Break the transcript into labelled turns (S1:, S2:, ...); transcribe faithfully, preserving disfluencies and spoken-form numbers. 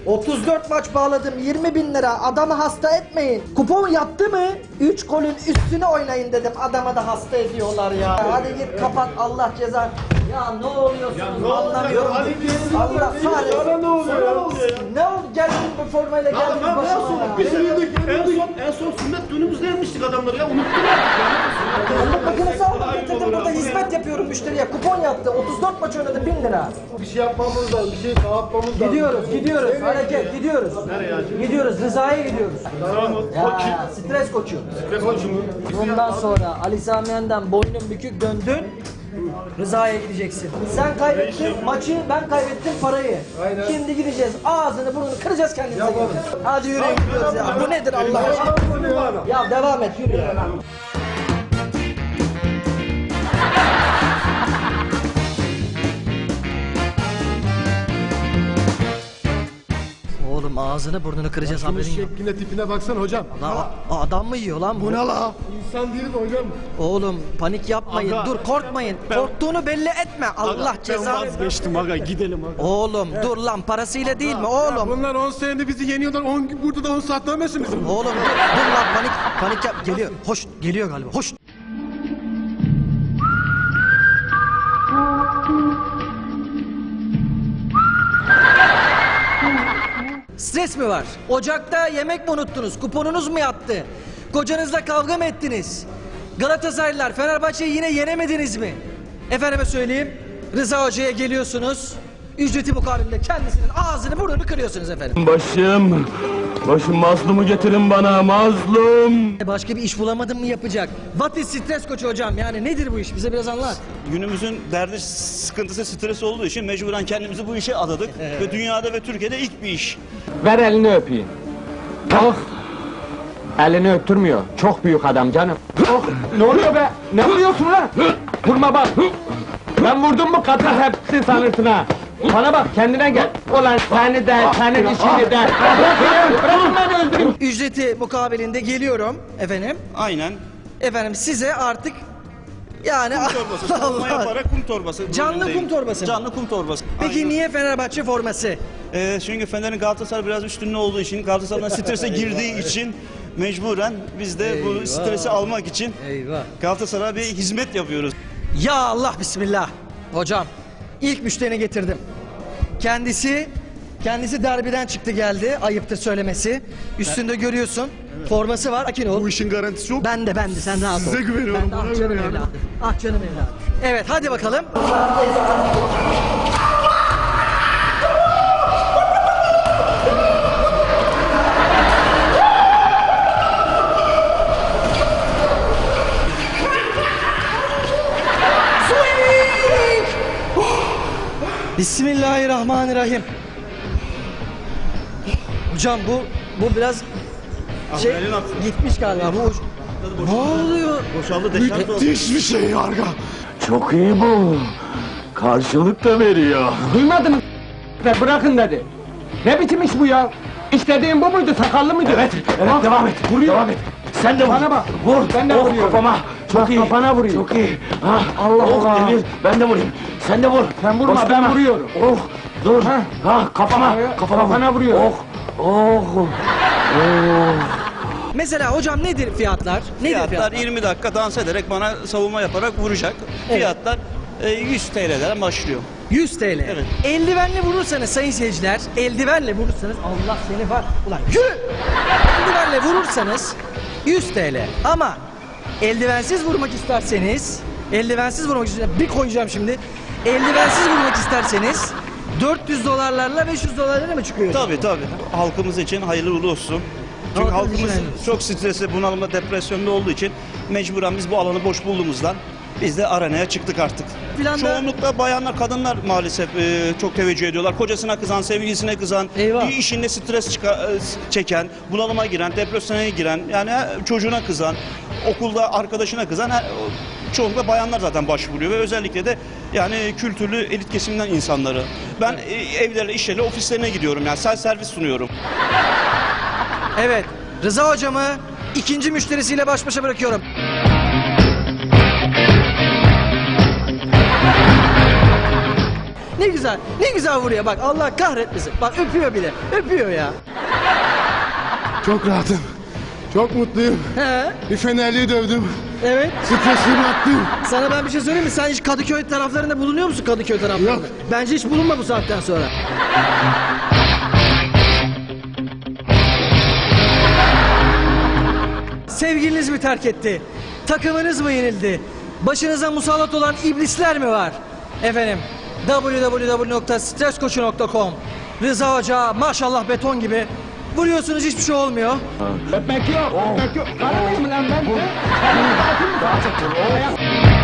S1: otuz dört maç bağladım, yirmi bin lira. Adamı hasta etmeyin. Kupon yattı mı? üç golün üstüne oynayın dedim. Adama da hasta ediyorlar ya. Hadi git kapat, Allah cezanı. Ya ne oluyorsunuz anlamıyorum. Allah kahretsin.
S2: Sana ne oluyor ya?
S1: Ne oldu? Geldin bu formayla geldin
S2: Ben
S1: başıma
S2: son,
S1: ya.
S2: biz en son, en son sünnet düğünümüzde yenmiştik adamları ya, unuttum artık ya.
S1: Allah makinesi aldım getirdim, burada hizmet yapıyorum müşteriye. Kupon yattı, otuz dört maç oynadı, bin lira.
S2: Bir şey yapmamız lazım, bir şey dağıtmamız lazım.
S1: Gidiyoruz, gidiyoruz. Hareket, gidiyoruz.
S2: Nereye acaba?
S1: Gidiyoruz, Rıza'ya gidiyoruz.
S2: Tamam mı?
S1: Ya, stres koçu.
S2: Stres koçu mu?
S1: Bundan sonra Ali Sami Yen'den boynun bükük döndün. Rıza'ya gideceksin. Sen kaybettin maçı, ben kaybettim parayı.
S2: Aynen.
S1: Şimdi gideceğiz, ağzını burnunu kıracağız kendimize. Hadi yürüyün gidiyoruz ya. Bu nedir Allah aşkına? Ya devam et, yürü ya. Oğlum ağzını burnunu kıracağız,
S2: Şunun
S1: haberin yok.
S2: şekline tipine baksana hocam.
S1: Lan, a- adam mı yiyor lan bu?
S2: Bu ne la? İnsan değil mi hocam?
S1: Oğlum panik yapmayın,
S3: Aga,
S1: dur korkmayın. Korktuğunu belli etme. Allah
S3: Ben
S1: cezanı.
S3: vazgeçtim aga, gidelim aga.
S1: Oğlum dur lan, parasıyla değil mi oğlum?
S2: Bunlar on senede bizi yeniyorlar, on gün burada da on saat dönmesin bizim.
S1: Oğlum dur, dur lan, panik panik yap. Geliyor. Hoş geliyor galiba. Hoş. Stres mi var? Ocakta yemek mi unuttunuz? Kuponunuz mu yattı? Kocanızla kavga mı ettiniz? Galatasaraylılar, Fenerbahçe'yi yine yenemediniz mi? Efendime söyleyeyim, Rıza Hoca'ya geliyorsunuz. Ücreti mukabilinde kendisinin ağzını burnunu kırıyorsunuz efendim.
S3: Başım, başım mazlumu getirin bana, mazlum.
S1: E başka bir iş bulamadın mı yapacak? What is stres koçu hocam? Yani nedir bu iş? Bize biraz anlat.
S4: Günümüzün derdi, sıkıntısı, stres olduğu için mecburen kendimizi bu işe adadık. Ve dünyada ve Türkiye'de ilk bir iş.
S5: Ver elini öpeyim. Oh. Elini öptürmüyor. Çok büyük adam canım. Oh. Ne oluyor be? Ne vuruyorsun lan? Vurma bak. Ben vurdum mu kadın hepsi sanırsın ha. Bana bak, kendine gel. Ulan seni de, senin işini de. Bırakın, bırakın beni öldüreyim.
S1: Ücreti mukabilinde geliyorum efendim.
S4: Aynen.
S1: Efendim size artık yani
S4: Kum torbası, savunma yaparak kum torbası.
S1: Canlı
S4: rolündeyim.
S1: kum torbası mı?
S4: Canlı kum torbası.
S1: Peki
S4: Aynen.
S1: niye Fenerbahçe forması?
S4: Ee, çünkü Fener'in Galatasaray biraz üstünlüğü olduğu için, Galatasaray'dan strese girdiği için mecburen biz de bu stresi almak için
S1: Eyvah.
S4: Galatasaray'a bir hizmet yapıyoruz.
S1: Ya Allah, bismillah. Hocam ilk müşterini getirdim. Kendisi kendisi derbiden çıktı geldi. Ayıptır söylemesi. Üstünde görüyorsun. Forması var. Sakin ol.
S2: Bu işin garantisi yok.
S1: Ben de ben de sen rahat ol.
S2: Size güveniyorum,
S1: Ben de,
S2: bana
S1: ah canım
S2: güveniyorum.
S1: evladım. Ah canım evladım. Evet hadi bakalım. Bismillahirrahmanirrahim. Hocam bu bu biraz şey
S4: elini atsın.
S1: gitmiş galiba bu. Ne oluyor?
S4: Boşaldı, deşarj oldu.
S2: Hiçbir şey yarga.
S3: Çok iyi bu. Karşılık da veriyor.
S5: Duymadın mı? Bırakın dedi. Ne biçim iş bu ya? İstediğin bu muydu? Sakallı mıydı?
S3: Evet, evet,
S5: Bak,
S3: devam et,
S5: vuruyor.
S3: devam et. Sen de vur.
S5: Bana bak.
S3: Vur,
S5: Ben de
S3: oh,
S5: vuruyorum.
S3: kafama. Çok
S5: Bak,
S3: iyi.
S5: kafana vuruyor.
S3: Çok iyi. Ha,
S5: Allah
S3: oh,
S5: Allah.
S3: Demir, ben de vurayım. Sen de vur.
S5: Sen vurma,
S3: Boş
S5: ben
S3: durma.
S5: vuruyorum.
S3: Oh, dur.
S5: Ha.
S3: Ha, kafama,
S5: Kafaya-
S3: kafama vur.
S5: kafana vuruyor.
S3: Oh, oh.
S1: Mesela hocam nedir fiyatlar? Nedir
S4: Fiyatlar
S1: fiyatlar?
S4: yirmi dakika dans ederek bana savunma yaparak vuracak. Fiyatlar e, yüz T L'den başlıyor.
S1: yüz T L.
S4: Evet.
S1: Eldivenle vurursanız sayın seyirciler, eldivenle vurursanız Allah seni var. Ulan yürü! Eldivenle vurursanız yüz T L. Ama eldivensiz vurmak isterseniz, eldivensiz vurmak isterseniz, bir koyacağım şimdi. Eldivensiz vurmak isterseniz dört yüz dolarlarla beş yüz dolarlarla mı çıkıyor?
S4: Tabii tabii. Halkımız için hayırlı uğurlu olsun. Çünkü
S1: Halkımız için
S4: halkımız
S1: hayırlı olsun.
S4: çok stresli, bunalımda, depresyonda olduğu için mecburen biz bu alanı boş bulduğumuzdan biz de arenaya çıktık artık.
S1: Filan da-
S4: Çoğunlukla bayanlar, kadınlar maalesef e, çok teveccüh ediyorlar. Kocasına kızan, sevgilisine kızan,
S1: Eyvah.
S4: bir işinde stres çıka- e, çeken, bunalıma giren, depresyona giren, yani e, çocuğuna kızan, okulda arkadaşına kızan, e, çoğunlukla bayanlar zaten başvuruyor ve özellikle de yani kültürlü elit kesimden insanları. Ben e, evlerine, işlerine, ofislerine gidiyorum, yani self servis sunuyorum.
S1: Evet, Rıza hocamı ikinci müşterisiyle baş başa bırakıyorum. Ne güzel, ne güzel vuruyor bak Allah kahretmesin. Bak öpüyor bile, öpüyor ya.
S6: Çok rahatım. Çok mutluyum.
S1: He,
S6: Bir Fenerli'yi dövdüm.
S1: evet.
S6: Stresimi attım.
S1: Sana ben bir şey söyleyeyim mi? Sen hiç Kadıköy taraflarında bulunuyor musun Kadıköy taraflarında?
S6: Yok.
S1: Bence hiç bulunma bu saatten sonra. Sevgiliniz mi terk etti? Takımınız mı yenildi? Başınıza musallat olan iblisler mi var? Efendim w w w nokta stres koçu nokta com Rıza Hoca maşallah beton gibi. Vuruyorsunuz hiçbir şey olmuyor.
S5: Öpmek yok, öpmek yok. Karı mıyım lan ben? He? Karı mı, katil mi?